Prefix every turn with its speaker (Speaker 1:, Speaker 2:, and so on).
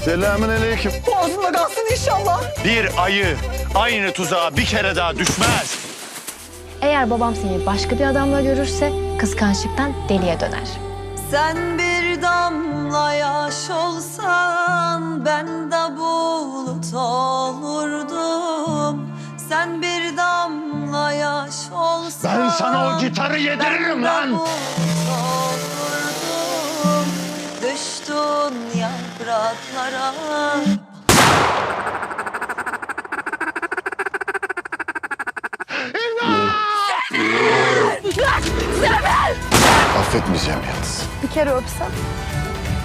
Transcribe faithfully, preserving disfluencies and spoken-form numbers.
Speaker 1: Selamünaleyküm.
Speaker 2: Boğazında kalsın inşallah.
Speaker 1: Bir ayı aynı tuzağa bir kere daha düşmez.
Speaker 3: Eğer babam seni başka bir adamla görürse kıskançlıktan deliye döner.
Speaker 2: Sen bir damla yaş olsan ben de bulut olurdum. Sen bir damla yaş olsan
Speaker 1: Ben sana o gitarı yediririm lan.
Speaker 2: bulut olurdum. Düştün yapraklara.
Speaker 1: Affetmeyeceğim yalnız.
Speaker 3: Bir kere öpsem.